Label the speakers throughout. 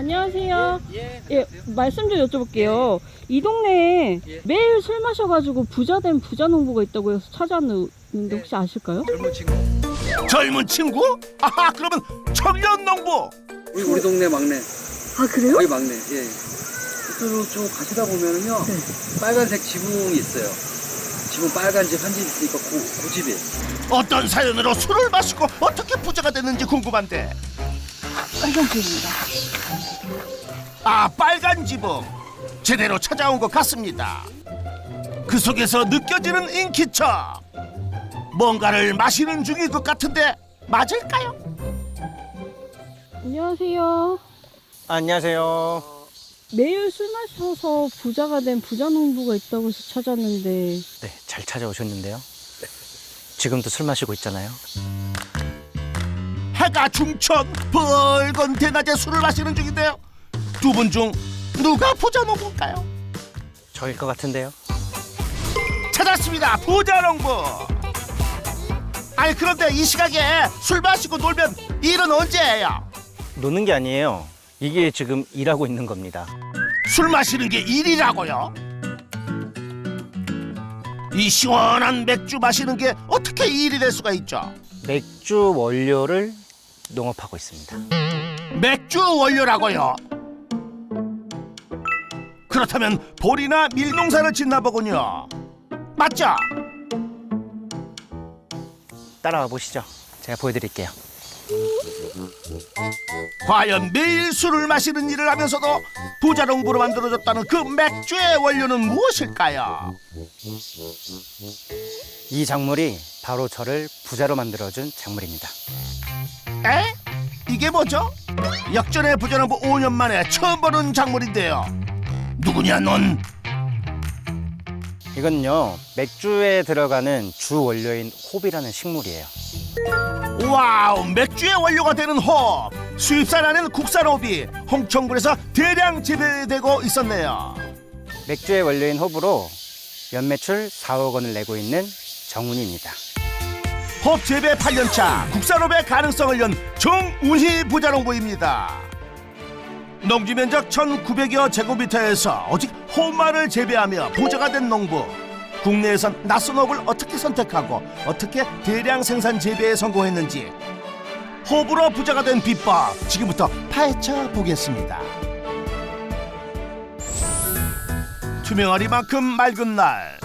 Speaker 1: 안녕하세요.
Speaker 2: 예,
Speaker 1: 예, 말씀 좀 여쭤볼게요. 이 동네에
Speaker 2: 예.
Speaker 1: 매일 술 마셔가지고 부자 된 부자 농부가 있다고 해서 찾아왔는데 혹시 아실까요?
Speaker 2: 젊은 친구.
Speaker 3: 젊은 친구? 아하, 그러면 청년 농부.
Speaker 2: 우리 동네 막내.
Speaker 1: 아, 그래요?
Speaker 2: 거의 막내. 예. 이쪽으로 쭉 가시다 보면은요. 빨간색 지붕이 있어요. 지붕 빨간 집 한 집 있으니까 그 집이에요.
Speaker 3: 어떤 사연으로 술을 마시고 어떻게 부자가 됐는지 궁금한데.
Speaker 1: 빨간 집입니다.
Speaker 3: 아, 빨간 지붕. 제대로 찾아온 것 같습니다. 그 속에서 느껴지는 인기척. 뭔가를 마시는 중일 것 같은데 맞을까요?
Speaker 1: 안녕하세요.
Speaker 4: 안녕하세요.
Speaker 1: 매일 술 마셔서 부자가 된 부자 농부가 있다고 해서 찾았는데
Speaker 4: 네, 잘 찾아오셨는데요. 지금도 술 마시고 있잖아요.
Speaker 3: 해가 중천 붉은 대낮에 술을 마시는 중인데요. 두 분 중 누가 부자 농부일까요?
Speaker 4: 저일 것 같은데요.
Speaker 3: 찾았습니다. 부자 농부. 아니, 그런데 이 시각에 술 마시고 놀면 일은 언제 해요?
Speaker 4: 노는 게 아니에요. 이게 지금 일하고 있는 겁니다.
Speaker 3: 술 마시는 게 일이라고요? 이 시원한 맥주 마시는 게 어떻게 일이 될 수가 있죠?
Speaker 4: 맥주 원료를 농업하고 있습니다.
Speaker 3: 맥주 원료라고요? 그렇다면 보리나 밀농사를 짓나 보군요. 맞죠?
Speaker 4: 따라와 보시죠. 제가 보여드릴게요.
Speaker 3: 과연 매일 술을 마시는 일을 하면서도 부자 농부로 만들어졌다는 그 맥주의 원료는 무엇일까요?
Speaker 4: 이 작물이 바로 저를 부자로 만들어준 작물입니다.
Speaker 3: 에? 이게 뭐죠? 역전의 부자 농부 5년 만에 처음 보는 작물인데요. 누구냐 넌?
Speaker 4: 이건요, 맥주에 들어가는 주 원료인 홉이라는 식물이에요.
Speaker 3: 와우, 맥주의 원료가 되는 홉. 수입산 아닌 국산 홉이 홍천군에서 대량 재배되고 있었네요.
Speaker 4: 맥주의 원료인 홉으로 연매출 4억 원을 내고 있는 정운입니다.
Speaker 3: 홉 재배 8년차 국산 홉의 가능성을 연 정운희 부자농부입니다. 농지 면적 1,900여 제곱미터에서 오직 홉만을 재배하며 부자가 된 농부. 국내에선 낯선 홉을 어떻게 선택하고 어떻게 대량 생산 재배에 성공했는지 홉으로 부자가 된 비법 지금부터 파헤쳐 보겠습니다. 투명하리만큼 맑은 날,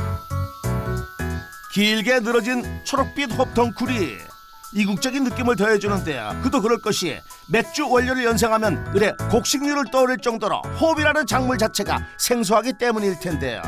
Speaker 3: 길게 늘어진 초록빛 홉 덩쿨이 이국적인 느낌을 더해주는데요. 그도 그럴 것이 맥주 원료를 연생하면 을의 곡식류를 떠올릴 정도로 홉이라는 작물 자체가 생소하기 때문일 텐데요.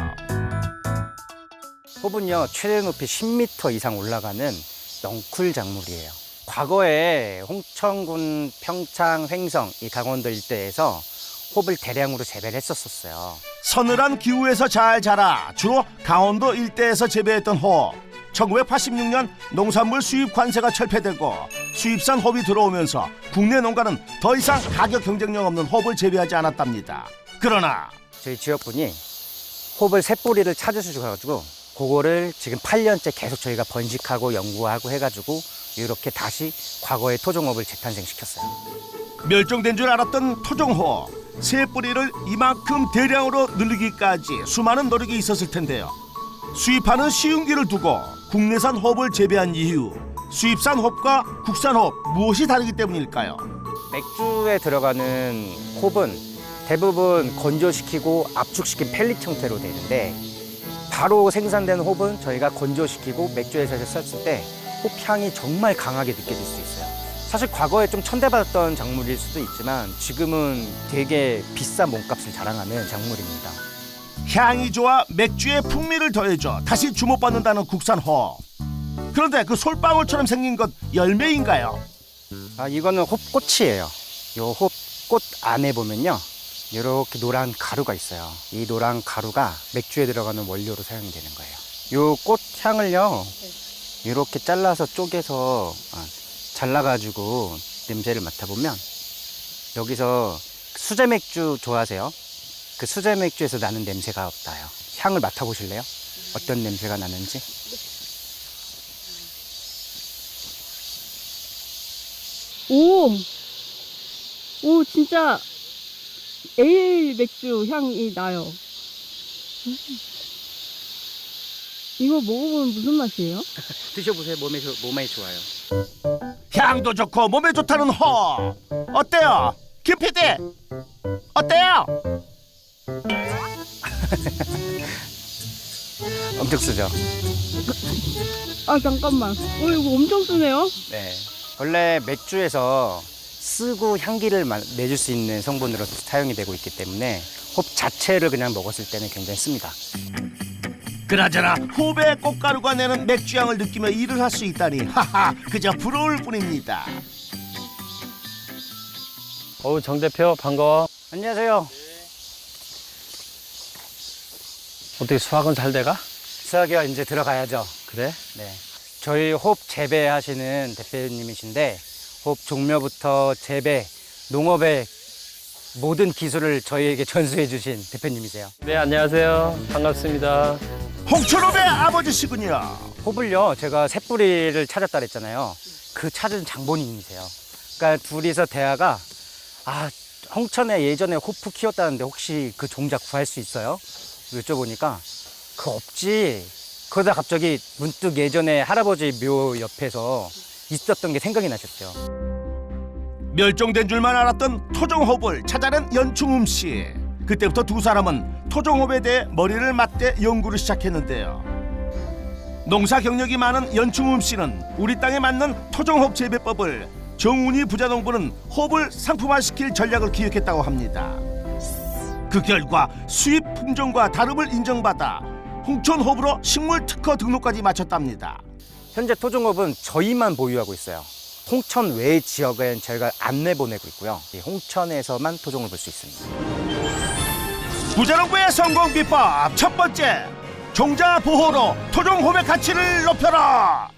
Speaker 4: 홉은요, 최대 높이 10m 이상 올라가는 넝쿨 작물이에요. 과거에 홍천군, 평창, 횡성 이 강원도 일대에서 홉을 대량으로 재배를 했었어요.
Speaker 3: 서늘한 기후에서 잘 자라 주로 강원도 일대에서 재배했던 홉. 1986년 농산물 수입 관세가 철폐되고 수입산 홉이 들어오면서 국내 농가는 더 이상 가격 경쟁력 없는 홉을 재배하지 않았답니다. 그러나
Speaker 4: 저희 지역분이 홉을 새 뿌리를 찾으셔가지고 그거를 지금 8년째 계속 저희가 번식하고 연구하고 해가지고 이렇게 다시 과거의 토종홉을 재탄생시켰어요.
Speaker 3: 멸종된 줄 알았던 토종호 새 뿌리를 이만큼 대량으로 늘리기까지 수많은 노력이 있었을 텐데요. 수입하는 쉬운 길을 두고 국내산 홉을 재배한 이유, 수입산 홉과 국산 홉 무엇이 다르기 때문일까요?
Speaker 4: 맥주에 들어가는 홉은 대부분 건조시키고 압축시킨 펠릿 형태로 되는데 바로 생산된 홉은 저희가 건조시키고 맥주에서 썼을 때 홉 향이 정말 강하게 느껴질 수 있어요. 사실 과거에 좀 천대받았던 작물일 수도 있지만 지금은 되게 비싼 몸값을 자랑하는 작물입니다.
Speaker 3: 향이 좋아 맥주의 풍미를 더해줘 다시 주목받는다는 국산 홉. 그런데 그 솔방울처럼 생긴 것 열매인가요?
Speaker 4: 이거는 홉꽃이에요. 요 홉꽃 안에 보면요, 이렇게 노란 가루가 있어요. 이 노란 가루가 맥주에 들어가는 원료로 사용되는 거예요. 요 꽃향을요, 이렇게 잘라서 쪼개서 잘라가지고 냄새를 맡아보면 여기서 수제 맥주 좋아하세요? 그 수제 맥주에서 나는 냄새가 나요. 향을 맡아보실래요? 어떤 냄새가 나는지?
Speaker 1: 오! 오, 진짜 에일 맥주 향이 나요. 이거 먹어보면 무슨 맛이에요?
Speaker 4: 드셔보세요. 몸에 좋아요.
Speaker 3: 향도 좋고 몸에 좋다는 호. 어때요? 김 PD 어때요?
Speaker 4: 엄청 쓰죠.
Speaker 1: 아 잠깐만. 이거 엄청 쓰네요.
Speaker 4: 네. 원래 맥주에서 쓰고 향기를 내줄 수 있는 성분으로 사용이 되고 있기 때문에 홉 자체를 그냥 먹었을 때는 굉장히 씁니다.
Speaker 3: 그나저나 호배 꽃가루가 내는 맥주향을 느끼며 일을 할 수 있다니 하하 그저 부러울 뿐입니다.
Speaker 5: 정 대표 반가워.
Speaker 4: 안녕하세요.
Speaker 5: 어떻게 수학은 잘 돼가?
Speaker 4: 수학이가 이제 들어가야죠.
Speaker 5: 그래?
Speaker 4: 네. 저희 홉 재배하시는 대표님이신데 홉 종묘부터 재배, 농업의 모든 기술을 저희에게 전수해 주신 대표님이세요.
Speaker 5: 네, 안녕하세요. 반갑습니다.
Speaker 3: 홍천호배 아버지시군요.
Speaker 4: 홉을요, 제가 새뿌리를 찾았다 그랬잖아요. 그 찾은 장본인이세요. 그러니까 둘이서 대화가 홍천에 예전에 호프 키웠다는데 혹시 그 종자 구할 수 있어요? 여쭤보니까 그거 없지. 그러다 갑자기 문득 예전에 할아버지 묘 옆에서 있었던 게 생각이 나셨죠.
Speaker 3: 멸종된 줄만 알았던 토종호흡을 찾아낸 연충음 씨. 그때부터 두 사람은 토종호흡에 대해 머리를 맞대 연구를 시작했는데요. 농사 경력이 많은 연충음 씨는 우리 땅에 맞는 토종호흡 재배법을, 정운희 부자농부는 호흡을 상품화시킬 전략을 기획했다고 합니다. 그 결과 수입 품종과 다름을 인정받아 홍천호흡으로 식물특허 등록까지 마쳤답니다.
Speaker 4: 현재 토종호흡은 저희만 보유하고 있어요. 홍천 외 지역엔 저희가 안 내보내고 있고요. 이 홍천에서만 토종을 볼 수 있습니다.
Speaker 3: 부자농부의 성공 비법 첫 번째, 종자 보호로 토종호흡의 가치를 높여라.